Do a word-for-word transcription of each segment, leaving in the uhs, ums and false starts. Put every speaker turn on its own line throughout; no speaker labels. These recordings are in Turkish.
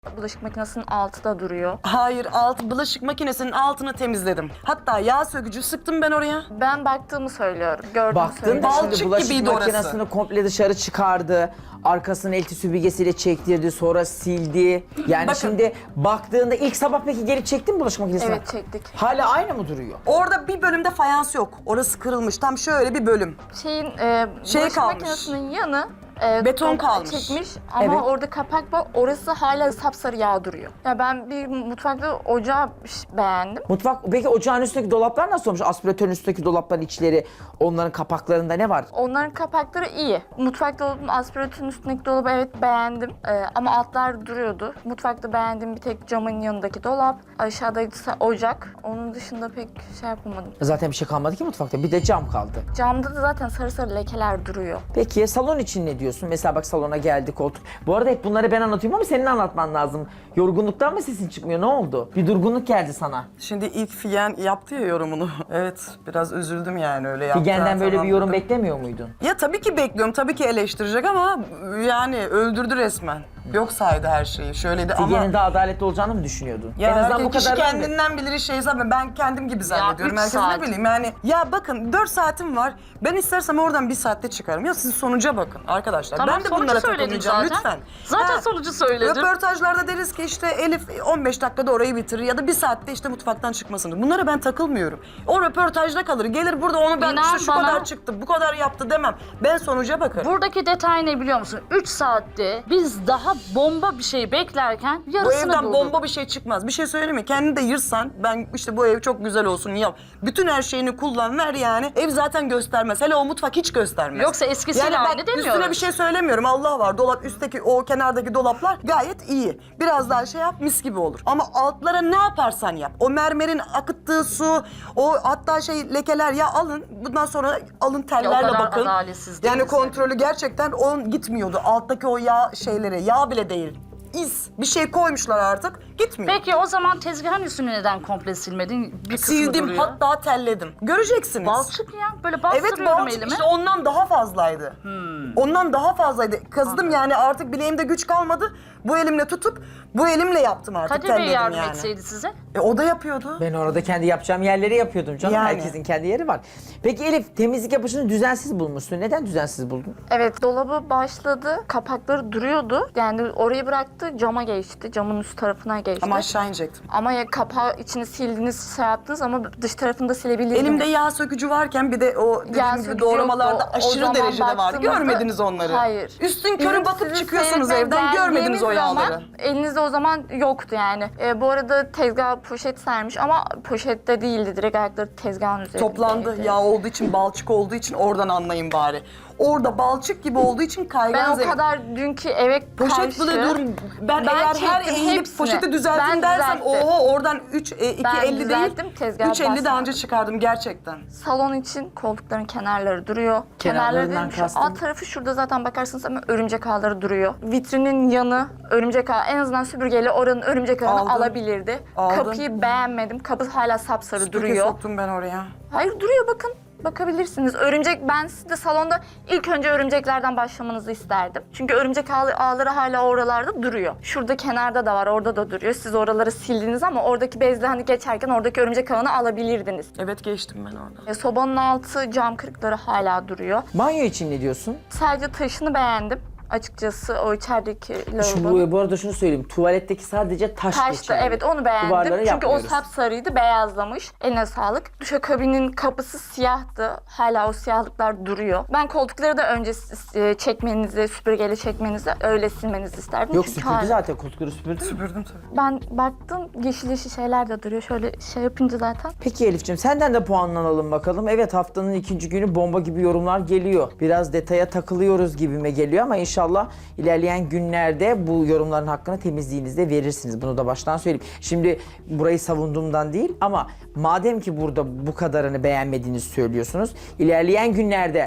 Bulaşık makinesinin altı da duruyor.
Hayır, alt bulaşık makinesinin altını temizledim. Hatta yağ sökücü sıktım ben oraya.
Ben baktığımı söylüyorum. Gördüğümü
Baktın
söylüyorum.
da
Balçık
şimdi bulaşık
gibiydi orası.
makinesini komple dışarı çıkardı. Arkasını elti süpürgesiyle çektirdi, sonra sildi. Yani
Bakın.
şimdi baktığında ilk sabah peki gelip çektin mi bulaşık makinesini?
Evet, çektik.
Hala aynı mı duruyor?
Orada bir bölümde fayans yok. Orası kırılmış. Tam şöyle bir bölüm.
Şeyin e,
Şey
bulaşık
kalmış.
makinesinin yanı e,
Beton
komple
kalmış.
çekmiş ama
Evet.
orada kapak var. Orası hala sapsarı yağ duruyor. Ya ben bir mutfakta ocağı beğendim.
Mutfak, peki ocağın üstündeki dolaplar nasıl olmuş? Aspiratörün üstündeki dolapların içleri, onların kapaklarında ne var?
Onların kapakları iyi. Mutfak dolabının aspiratörün üstündeki dolabı evet beğendim. Ee, ama altlar duruyordu. Mutfakta beğendiğim bir tek camın yanındaki dolap. Aşağıda ise ocak. Onun dışında pek şey yapamadım.
Zaten bir şey kalmadı ki mutfakta. Bir de cam kaldı.
Camda da zaten sarı sarı lekeler duruyor.
Peki salon için ne diyorsun? Mesela bak salona geldik koltuk. Bu arada hep bunları ben anlatıyorum ama senin anlatman lazım. Yorgunluktan mı sesin çıkmıyor? Ne oldu? Bir durgunluk geldi sana.
Şimdi ilk Figen yaptı ya yorumunu. Evet, biraz üzüldüm yani öyle yaptı.
Figen'den böyle
tamam
bir yorum
dedim.
beklemiyor muydun?
Ya tabii ki bekliyorum, tabii ki eleştirecek ama yani öldürdü resmen. Yok saydı her şeyi, şöyleydi ama...
Figen'in daha adaletli olacağını mı düşünüyordun?
Ya
en azından bu
kişi
kadar
kendinden bilir şey zaten ben kendim gibi zannediyorum.
üç
Herkes
saat.
ne bileyim yani. Ya bakın dört saatim var. Ben istersem oradan bir saatte çıkarım. Ya siz sonuca bakın arkadaşlar.
Tamam,
ben de
sonucu
bunlara
söyledik
takılmayacağım
zaten.
lütfen.
Zaten
Ha,
sonucu söyledim.
Röportajlarda deriz ki işte Elif on beş dakikada orayı bitirir ya da bir saatte işte mutfaktan çıkmasını. Bunlara ben takılmıyorum. O röportajda kalır. Gelir burada onu ben
İnan
işte şu
bana-
kadar çıktı, bu kadar yaptı demem. Ben sonuca bakarım.
Buradaki detay ne biliyor musun? üç saatte biz daha bomba bir şey beklerken
Bu
yarısını
evden
bulduk.
bomba bir şey çıkmaz. Bir şey söyleyeyim mi? Kendini de yırsan, ben işte bu ev çok güzel olsun yap. Bütün her şeyini kullan, ver yani. Ev zaten göstermez. Hele o mutfak hiç göstermez.
Yoksa eskisiyle
yani bak,
aynı demiyoruz.
üstüne bir şey söylemiyorum. Allah var. Dolap üstteki o kenardaki dolaplar gayet iyi. Biraz daha şey yap mis gibi olur. Ama altlara ne yaparsan yap. O mermerin akıttığı su, o hatta şey lekeler ya alın. Bundan sonra alın tellerle
kadar
bakın.
adaletsiz
Yani
değiliz
kontrolü gerçekten on gitmiyordu. Alttaki o yağ şeyleri, yağ bile değil. İz. Bir şey koymuşlar artık. Gitmiyor.
Peki o zaman tezgahın üstünü neden komple silmedin? Bir kısmı
Sildim
duruyor.
hatta telledim. Göreceksiniz.
Balçık ya. Böyle
Evet
bastırıyorum
balçık
elimi.
işte ondan daha fazlaydı. Ondan daha fazlaydı. Kazıdım yani artık bileğimde güç kalmadı. Bu elimle tutup bu elimle yaptım artık.
Kadir Bey
telledim
yardım
yani.
etseydi size.
E, o da yapıyordu.
Ben orada kendi yapacağım yerleri yapıyordum canım.
Yani.
Herkesin kendi yeri var. Peki Elif, temizlik yapışını düzensiz bulmuşsun. Neden düzensiz buldun?
Evet, dolabı başladı. Kapakları duruyordu. Yani orayı bıraktı, cama geçti. Camın üst tarafına geçti.
Ama aşağı inecektim.
Ama ya kapağı içini sildiniz, şey yaptınız ama dış tarafını da silebilirdiniz.
Elimde yağ sökücü varken bir de o dediğim
Yağ
gibi
sökücü
doğramalarda
yoktu. O
aşırı
zaman
derecede vardı.
baktığımızda-
Görmediniz onları.
Hayır.
Üstün körü
Bizim
bakıp
sizi
çıkıyorsunuz
seyretmeye
evden görmediniz o
geldiğimiz
yağları.
zaman elinizde o zaman yoktu yani. E, bu arada tezgah poşet sermiş ama poşette değildi. Direkt ayakları tezgahın üzerindeydi.
Toplandı. Yağ olduğu için, balçık olduğu için oradan anlayın bari. Orada balçık gibi olduğu için kaygan
Ben o
zemin.
kadar dünkü eve
Poşet
karşı...
bile dur. Ben,
Ben
eğer her
çektim
eğilip
hepsini.
poşeti düzelttim
Ben
dersem
düzelttim.
oho oradan üç, iki
Ben
elli
düzelttim,
değil.
tezgaha
üç elli daha
basmadım.
önce çıkardım gerçekten.
Salon için koltukların kenarları duruyor.
Kenarlarından
Kenarları dedim, şu
kastın?
alt tarafı şurada zaten bakarsınız ama örümcek ağları duruyor. Vitrinin yanı örümcek ağı. En azından süpürgeyle oranın örümcek ağını
Aldım.
alabilirdi.
Aldım.
Kapıyı beğenmedim. Kapı hala sapsarı
Süpürge
duruyor.
soktum ben oraya.
Hayır duruyor bakın. Bakabilirsiniz. Örümcek, ben size salonda ilk önce örümceklerden başlamanızı isterdim. Çünkü örümcek ağ- ağları hala oralarda duruyor. Şurada kenarda da var, orada da duruyor. Siz oraları sildiniz ama oradaki bezle hani geçerken oradaki örümcek ağını alabilirdiniz.
Evet geçtim ben orada.
E, sobanın altı cam kırıkları hala duruyor.
Banyo için ne diyorsun?
Sadece taşını beğendim. Açıkçası o içerideki
Şu,
lavabo.
bu, bu arada şunu söyleyeyim. Tuvaletteki sadece taş
Taştı,
geçerli.
evet onu beğendim.
Duvarları
Çünkü o
yapmıyoruz.
sapsarıydı, beyazlamış. Eline sağlık. Duşakabinin kapısı siyahtı. Hala o siyahlıklar duruyor. Ben koltukları da önce e, çekmenizi, süpürgeyle çekmenizi, öyle silmenizi isterdim.
Yok
Çünkü
süpürdü
hala-
zaten koltukları süpürdü.
Süpürdüm tabii.
Ben baktım yeşil yeşil şeyler de duruyor. Şöyle şey yapınca zaten.
Peki Elif'ciğim senden de puanlanalım bakalım. Evet haftanın ikinci günü bomba gibi yorumlar geliyor. Biraz detaya takılıyoruz gibime geliyor ama inşallah ilerleyen günlerde bu yorumların hakkını temizliğinizde verirsiniz. Bunu da baştan söyleyeyim. Şimdi burayı savunduğumdan değil ama madem ki burada bu kadarını beğenmediğinizi söylüyorsunuz. İlerleyen günlerde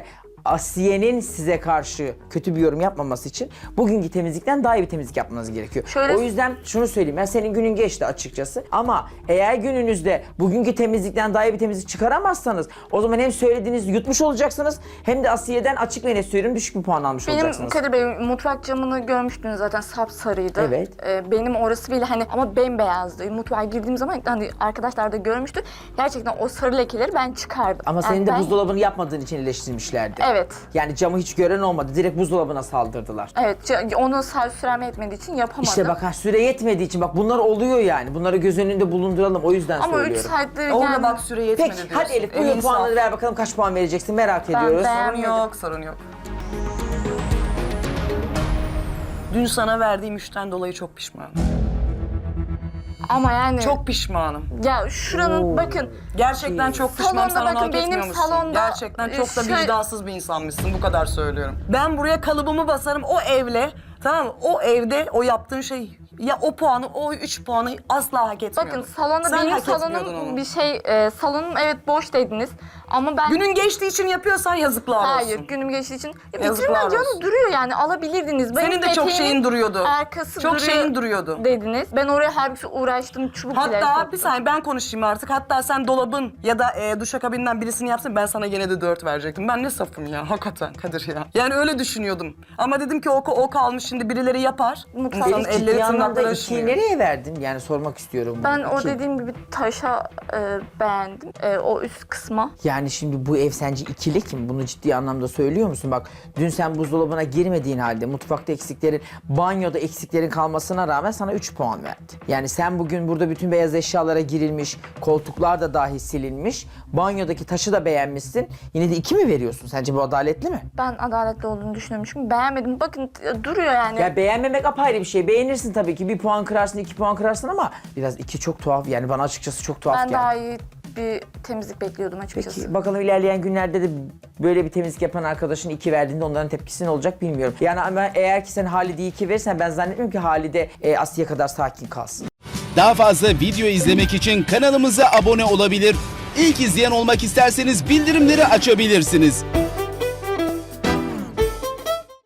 Asiye'nin size karşı kötü bir yorum yapmaması için bugünkü temizlikten daha iyi bir temizlik yapmanız gerekiyor.
Şöyle-
O yüzden şunu söyleyeyim, ben senin günün geçti açıkçası ama eğer gününüzde bugünkü temizlikten daha iyi bir temizlik çıkaramazsanız o zaman hem söylediğinizi yutmuş olacaksınız hem de Asiye'den açık ve net söylüyorum düşük bir puan almış
Benim
olacaksınız.
Kadir Bey mutfak camını görmüştünüz zaten, sapsarıydı.
Evet.
Ee, benim orası bile hani ama bembeyazdı. Mutfağa girdiğim zaman hani arkadaşlar da görmüştü. Gerçekten o sarı lekeleri ben çıkardım.
Ama
Yani
senin de
ben-
buzdolabını yapmadığın için eleştirmişlerdi.
Evet.
Yani camı hiç gören olmadı. Direkt buzdolabına saldırdılar.
Evet, ca- onu sağ süreme etmediği için yapamadım.
İşte bak ha, süre yetmediği için bak bunlar oluyor yani. Bunları göz önünde bulunduralım o yüzden
Ama üç
söylüyorum.
saattir
Orada
yani...
bak süre yetmedi
Peki
diyorsun.
hadi Elif
En
buyur
insaf.
puanları ver bakalım kaç puan vereceksin merak ediyoruz.
ben-
Sorun yok, sorun yok. Dün sana verdiğim üçten dolayı çok pişmanım.
Ama yani...
Çok pişmanım.
Ya şuranın bakın...
Gerçekten çok pişmanım.
Salonda
Sen onu
bakın,
hak
benim
etmiyormuşsun.
salonda,
Gerçekten çok da
e, şöyle-
vicdansız bir insanmışsın. Bu kadar söylüyorum. Ben buraya kalıbımı basarım o evle. Tamam mı? O evde o yaptığın şey ya o puanı o üç puanı asla hak etmiyordun.
Bakın salonda
Sen
benim
hak etmiyordun
salonum
onu.
bir şey... E, salonum evet boş dediniz. Ama ben...
Günün geçtiği için yapıyorsan yazıklar olsun.
Hayır, günüm geçtiği için. Ya
Yazıklar
bitirmem canım,
olsun.
duruyor yani, alabilirdiniz. Benim
Senin de çok
peteğimin
şeyin duruyordu.
Arkası
Çok
duruyor
şeyin duruyordu.
dediniz. Ben oraya halbuki uğraştım, çubuk bile
Hatta
soktum.
bir saniye ben konuşayım artık. Hatta sen dolabın ya da e, duşakabinden birisini yapsın ben sana gene de dört verecektim. Ben ne safım ya hakikaten Kadir ya. Yani öyle düşünüyordum. Ama dedim ki o, o kalmış şimdi birileri yapar.
Mutfak-
İnsanın
Elif
elleri
ciddi anlamda
tırnakları
ikiyi
üşümüyor.
nereye verdin? Yani sormak istiyorum.
Ben
bunu.
o
İki.
dediğim gibi taşa e, beğendim. E, o üst kısma.
Yani şimdi bu ev sence ikilik mi? Bunu ciddi anlamda söylüyor musun? Bak dün sen buzdolabına girmediğin halde mutfakta eksiklerin, banyoda eksiklerin kalmasına rağmen sana üç puan verdi. Yani sen bugün burada bütün beyaz eşyalara girilmiş, koltuklar da dahi silinmiş, banyodaki taşı da beğenmişsin. Yine de iki mi veriyorsun? Sence bu adaletli mi?
Ben adaletli olduğunu düşünüyormuşum. Beğenmedim. Bakın e, duruyor yani.
Ya beğenmemek apayrı bir şey. Beğenirsin tabii ki. Bir puan kırarsın, iki puan kırarsın ama biraz iki çok tuhaf. Yani bana açıkçası çok tuhaf
ben
geldi.
daha iyi bir temizlik bekliyordum açıkçası.
Peki bakalım ilerleyen günlerde de böyle bir temizlik yapan arkadaşın iki verdiğinde onların tepkisi ne olacak bilmiyorum. Yani ama eğer ki sen Halide'yi iki verirsen ben zannetmiyorum ki Halide e, Asiye kadar sakin kalsın.
Daha fazla video izlemek için kanalımıza abone olabilir. İlk izleyen olmak isterseniz bildirimleri açabilirsiniz.